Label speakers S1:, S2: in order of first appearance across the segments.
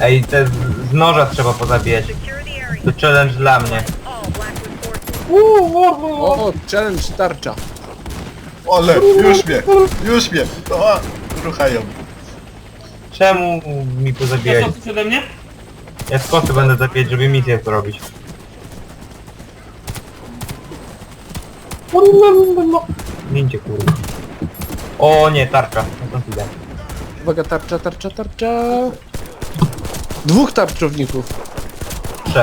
S1: Ej, te z noża trzeba pozabijać. To challenge dla mnie.
S2: O, challenge tarcza.
S3: Ole, już mnie. O, ruchają.
S1: Czemu mi
S4: To
S1: pozabijać?
S4: co, chcesz ode mnie?
S1: Ja z kosy będę zabijać, żeby misję zrobić. Gincie kurwa. O nie, tarcza. No to idę.
S2: Uwaga, tarcza. Dwóch tarczowników.
S1: 3.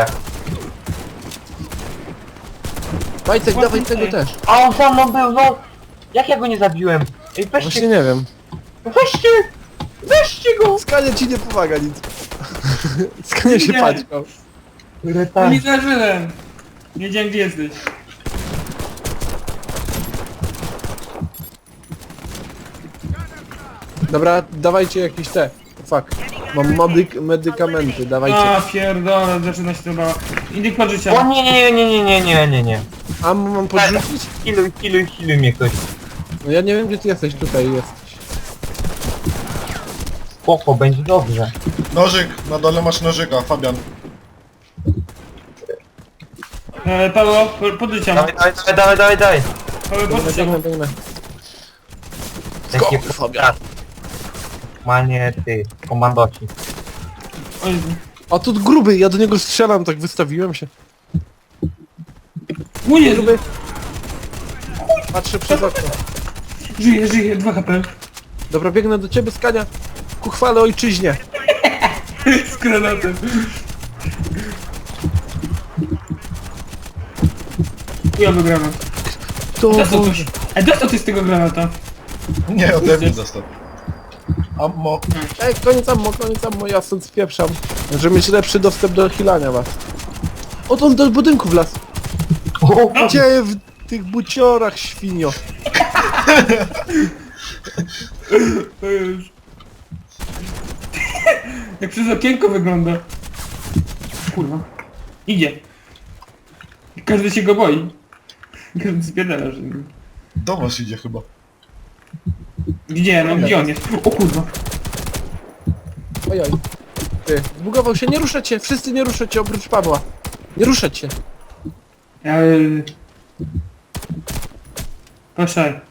S2: Wajtek, dawaj tego też.
S1: A on za mną był, no! Jak ja go nie zabiłem? Ej,
S2: Właśnie
S1: weźcie,
S2: nie wiem.
S1: weźcie go!
S2: Skania ci nie pomaga nic. Skania się
S4: Nie.
S2: paćkał.
S4: No nie zażyłem. Nie wiedziałem gdzie jesteś.
S2: Dobra, dawajcie jakieś te. Fuck. Mam medykamenty, dawajcie.
S4: A pierdolę, zaczyna się to bała. Indyk pod
S1: O
S4: życia.
S1: nie.
S2: A mam podrzucić?
S1: Kiluj mnie ktoś.
S2: No ja nie wiem gdzie ty jesteś, tutaj jesteś.
S1: Spoko, będzie dobrze.
S3: Nożyk, na dole masz nożyka, Fabian.
S4: Paweł, pod życia.
S1: Dawaj.
S4: Paweł, pod życia.
S2: Biegnę.
S1: Jakie
S2: Skok, Fabian.
S1: Manie ty, komandoci.
S4: O Jezu.
S2: A tu gruby, ja do niego strzelam, tak wystawiłem się.
S4: O Jezu.
S2: Gruby. Patrzę przez okno.
S4: Żyje, 2 HP.
S2: Dobra, biegnę do ciebie, Skania. Ku chwale ojczyźnie.
S4: Z granatem. Chujowy granat.
S2: To
S4: Dostał
S2: Boże.
S4: coś. Dostał ty z tego granata.
S3: Nie, ode mnie został. Ammo.
S2: Ej, koniec ammo, ja stąd spieprzam. Żeby mieć lepszy dostęp do healania was. O, to on do budynku wlazł. Gdzie w tych buciorach, świnio?
S4: To już. Jak przez okienko wygląda. Kurwa. Idzie. Każdy się go boi. Każdy spierdala, że...
S3: Do was idzie chyba.
S4: Gdzie? No gdzie on jest? O kurwa.
S2: Ojoj. Ty, zbugował się, nie ruszać się, wszyscy nie ruszać się, oprócz Pawła. Nie ruszać się.
S4: Proszę.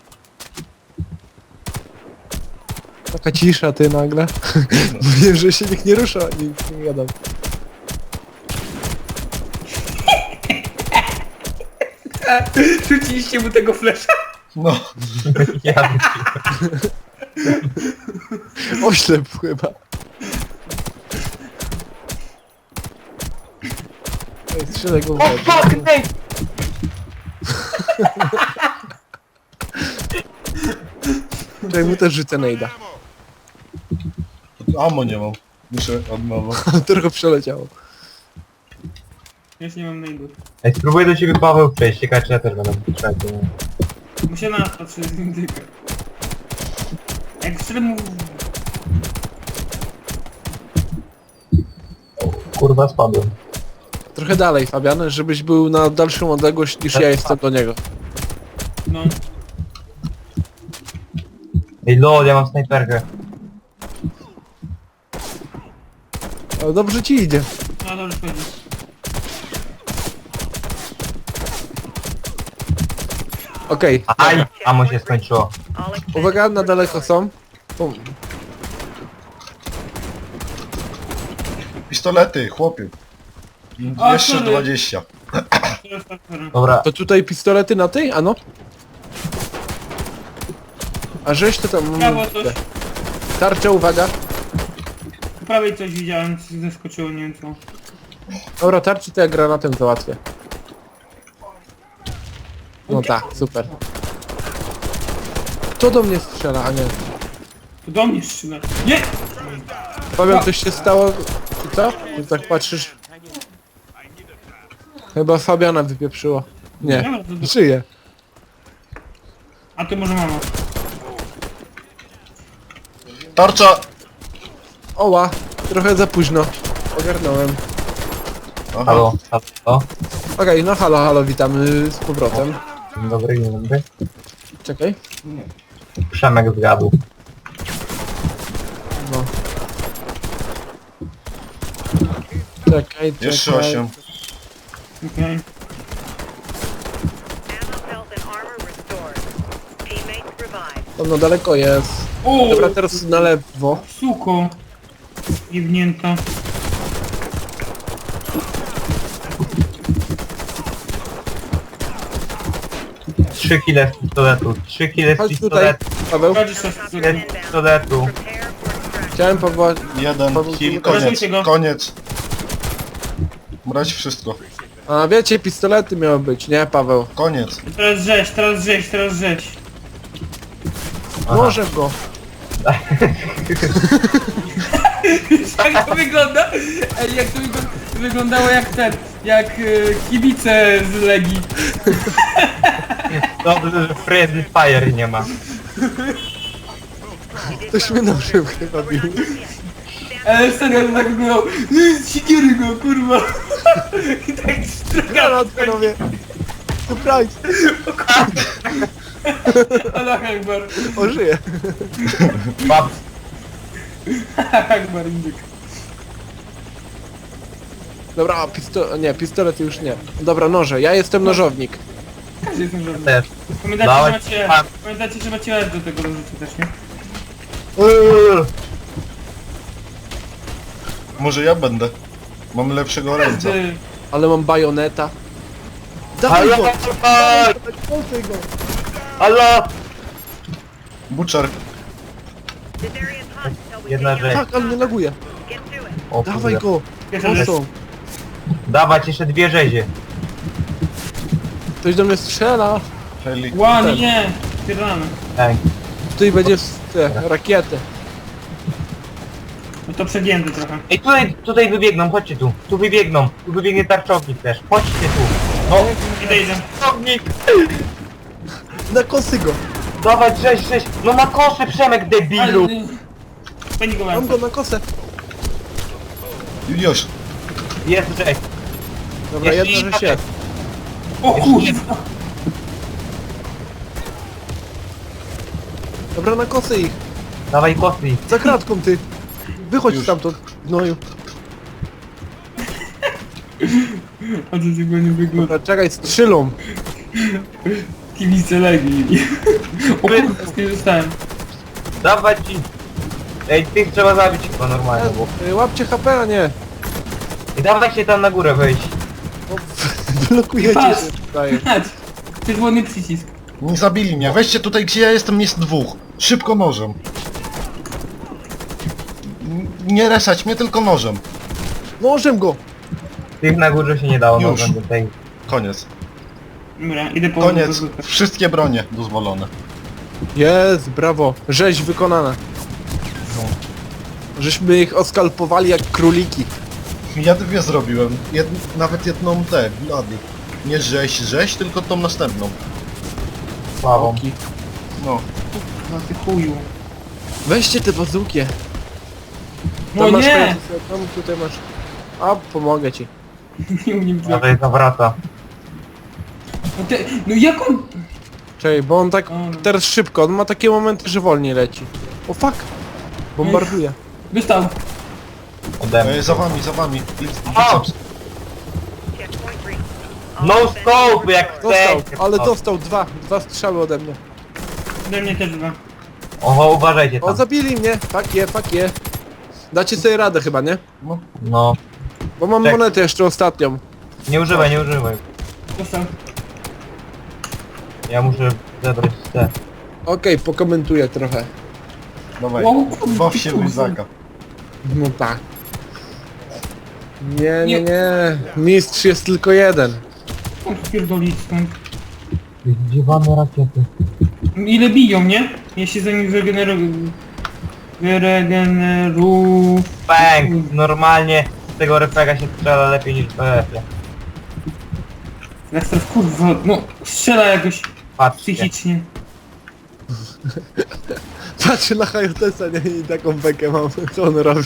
S2: Taka cisza ty nagle. Mówię, że się nikt nie rusza, nic nie gadam.
S4: Rzuciliście mu tego flesza?
S3: No,
S1: Ja
S2: Oślep chyba. Ej, strzelaj go w łeb.
S1: fuck, ej!
S2: Czekaj, mu też rzucę nejda.
S3: ammo nie mam. Muszę od nowa.
S2: Trochę przeleciało.
S4: Ja już nie mam najdów.
S1: Ej, spróbuję do ciebie Paweł przejść, ciekawe czy ja też będę potrzebny.
S4: Muszę na nas patrzeć z indyka. Jak wszedł mu...
S1: Kurwa spadłem.
S2: Trochę dalej, Fabian, żebyś był na dalszą odległość niż ja jestem do niego.
S4: No.
S1: Ej lol, ja mam snajperkę.
S2: Ale dobrze ci idzie.
S4: No dobrze chodzi.
S2: Okej,
S1: Aj! Amo się skończyło.
S2: uwaga, na daleko są. Bum.
S3: Pistolety, chłopie.
S4: A,
S3: Jeszcze
S4: sorry.
S3: 20.
S1: Dobra,
S2: To tutaj pistolety na tej? Ano? A żeś to tam...
S4: Prawo coś.
S2: Tarcza, uwaga.
S4: Po prawej coś widziałem, coś zaskoczyło, nie wiem co.
S2: Dobra, tarczy to ja granatem załatwię. No tak, super. Kto do mnie strzela, a nie?
S4: To do mnie strzela. Nie!
S2: Powiem, coś się stało... Czy co? Ty tak patrzysz... Chyba Fabiana wypieprzyło. Nie,
S4: Dobra, to-
S2: żyje.
S4: A ty może mama.
S3: Tarcza!
S2: Oła, trochę za późno. Ogarnąłem.
S3: Aha.
S1: halo, halo.
S2: Okej, no halo, witamy z powrotem.
S1: Dzień dobry.
S2: Czekaj.
S1: Przemek zgadł.
S2: No. Czekaj,
S3: Jeszcze
S2: czekaj.
S3: 8.
S4: Okej.
S5: Ammo, health, and armor restored. Teammates revived.
S2: To no daleko jest.
S4: O!
S2: Dobra, teraz na lewo.
S4: Suko. Jebnięta.
S1: Trzy kile z pistoletu. 3 kile z
S2: Chodź tutaj,
S1: pistoletu.
S2: Paweł.
S4: Chodź jeszcze
S1: Kile z pistoletu.
S5: Prepare for extraction.
S2: Chciałem Pawła...
S3: Jeden kill, koniec,
S4: Ratujcie go.
S3: koniec. Brać wszystko.
S2: A wiecie, pistolety miały być, nie Paweł?
S3: Koniec.
S4: Teraz rzeź, teraz rzeź, teraz rzeź.
S1: Aha.
S2: Może go.
S4: Jak to wygląda? Ej, jak to wyglądało jak ten, jak kibice z Legii.
S1: Dobrze, że Friendly Fire nie ma.
S2: Ktoś mnie nożył chyba bił.
S4: Ale serio, to tak wyglądało. Sikiery go, kurwa. I tak strzega.
S2: Granat, panowie. Surprise.
S4: Allah Akbar.
S2: O, żyje.
S1: Bab,
S4: Allah Akbar, indyk.
S2: Dobra, nie, pistolet już nie. Dobra, noże, ja jestem nożownik.
S4: Każdy jest żadny.
S1: też.
S4: Pamiętajcie, że macie raz do tego do życia też, nie?
S3: Może ja będę. Mam lepszego ręca.
S4: Każdy.
S2: Ale mam bajoneta. Dawaj
S1: Halo!
S2: go! Dawaj go!
S1: Halo!
S3: Butcher.
S5: This area is hot until we
S1: Jedna
S5: take
S1: rzecz.
S2: Tak, ale mnie laguje.
S5: Get to it.
S1: O,
S2: Dawaj
S1: kurde.
S2: go!
S4: Pierwsza rzecz.
S2: Mocno.
S1: Dawać jeszcze 2 rzezie.
S2: Ktoś do mnie strzela.
S3: Heli.
S4: Ła, nie! Pierdolamy.
S1: Tak.
S2: Tutaj będzie te rakiety.
S4: No to przegięty trochę.
S1: Ej, tutaj wybiegną, chodźcie tu. Tu wybiegną. Tu wybiegnie tarczownik też. Chodźcie tu. No,
S4: Idę.
S1: tarczownik!
S2: Na kosy go!
S1: Dawać rzeź. No na kosze, Przemek, debilu!
S4: Pani go
S2: Mam
S4: mam.
S2: go na kosę.
S3: Już.
S1: Jest rzeź.
S2: Dobra,
S1: Jest
S2: jedna
S1: i-
S2: rzecz jest.
S4: O kurwa!
S2: Dobra, na kosy ich.
S1: Dawaj kosy.
S2: Za kratką ty. Wychodź
S3: Już.
S2: stamtąd, gnoju.
S4: A to tego nie wygląda.
S2: Dobra, czekaj, strzelą.
S4: Kibice Legii. O kurwa, nie dostałem.
S1: Dawać ci. Ej, tych trzeba zabić chyba normalnie, bo...
S2: Łapcie HP, a nie.
S1: I dawaj się tam na górę wejść.
S2: O, blokujecie
S4: Pas.
S2: się tutaj.
S4: Chodź. Czerwony przycisk.
S3: Nie zabili mnie. Weźcie tutaj, gdzie ja jestem, jest 2. Szybko nożem. Nie resać mnie, tylko nożem.
S2: Nożem go!
S1: Tych na górze się nie dało, no
S3: Już.
S1: będę tej...
S3: Koniec.
S4: Dobra, idę po
S3: Koniec. Wszystkie bronie dozwolone.
S2: Jest, brawo. Rzeź wykonana. Żeśmy ich oskalpowali jak króliki.
S3: Ja 2 zrobiłem. Nawet jedną tę, blady. Nie rzeź, tylko tą następną.
S1: Sławą.
S2: Oki.
S3: No.
S4: No ty chuju.
S2: Weźcie te bazukie.
S4: No
S2: Tam masz
S4: nie!
S2: fajne- Tam tutaj masz. A, pomogę ci.
S4: Nie umiem trafić.
S1: Tutaj zawraca.
S4: No, no jak on...
S2: Czekaj, bo on tak
S4: O, no.
S2: teraz szybko, on ma takie momenty, że wolniej leci. O fuck! Bombarduje.
S4: Dostał.
S1: Ode mnie.
S3: Za wami, za wami.
S1: O!
S5: Checkpoint reached.
S1: No scope, jak
S2: Dostał,
S1: chcecie.
S2: ale
S1: O.
S2: dostał dwa strzały ode mnie.
S4: Ode mnie też dwa.
S1: Oho, uważajcie
S2: O,
S1: tam.
S2: zabili mnie! Fuck je. Dacie sobie radę chyba, nie?
S1: No.
S2: Bo mam
S1: Tak.
S2: monetę jeszcze ostatnią.
S1: Nie używaj.
S4: Dostał.
S1: Ja muszę zebrać te.
S2: Okej, pokomentuję trochę.
S3: Dawaj.
S4: Wow, kurwa,
S3: Baw się w
S4: kurwa.
S3: Izaka.
S2: No tak. Nie. Mistrz jest tylko jeden.
S4: O, spierdolić stąd.
S1: Zdziwane rakiety.
S4: Ile biją, nie? Ja się za nich wyregeneruję.
S1: Bang! Normalnie z tego refega się strzela lepiej niż w PF-ie.
S4: Jak teraz kurwa, no strzela jakoś
S1: Patrzcie.
S4: psychicznie.
S2: Patrzę na Hayotesa, nie? I taką bekę mam. Co on robi?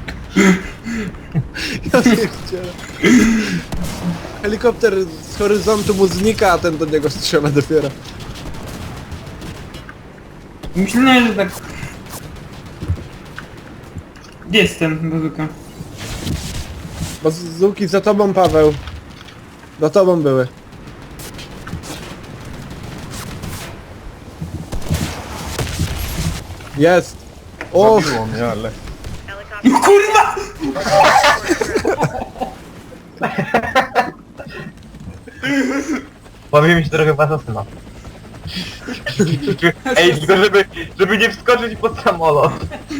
S2: Ja pierdzielę. Helikopter z horyzontu mu znika, a ten do niego strzela dopiero.
S4: Myślałem, że tak... Gdzie jestem, bazuka?
S2: Bazuki za tobą, Paweł. Za tobą były. Jest! O!
S3: Zabiło mnie, ale...
S5: Helicopter.
S4: No kurwa!
S1: Powiem mi się trochę was asyna. Ej, tylko żeby nie wskoczyć pod samolot.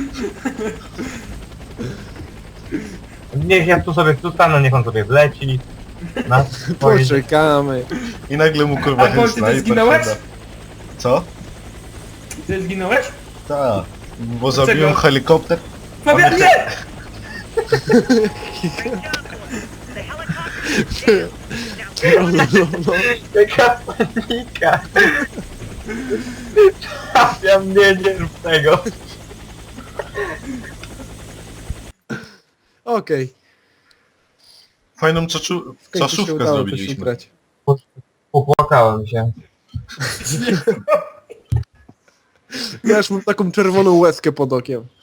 S1: Niech ja tu sobie stanę, niech on sobie wleci. Na swoje...
S2: Poczekamy.
S3: I nagle mu kurwa
S4: A Paul, ty
S3: snajper
S4: też zginąłeś?
S3: siada. Co?
S4: Ty zginąłeś?
S3: Tak. Bo zabiłem helikopter.
S4: Fabian, nie!
S5: The helicopter is jammed. Now
S2: No.
S1: Jaka panika! Ja mnie nie rób tego.
S2: Okej.
S3: Fajną
S2: W końcu się
S3: czaszówkę
S2: udało coś
S3: zrobiliśmy.
S2: ugrać.
S1: Popłakałem się.
S2: Ja już mam taką czerwoną łezkę pod okiem.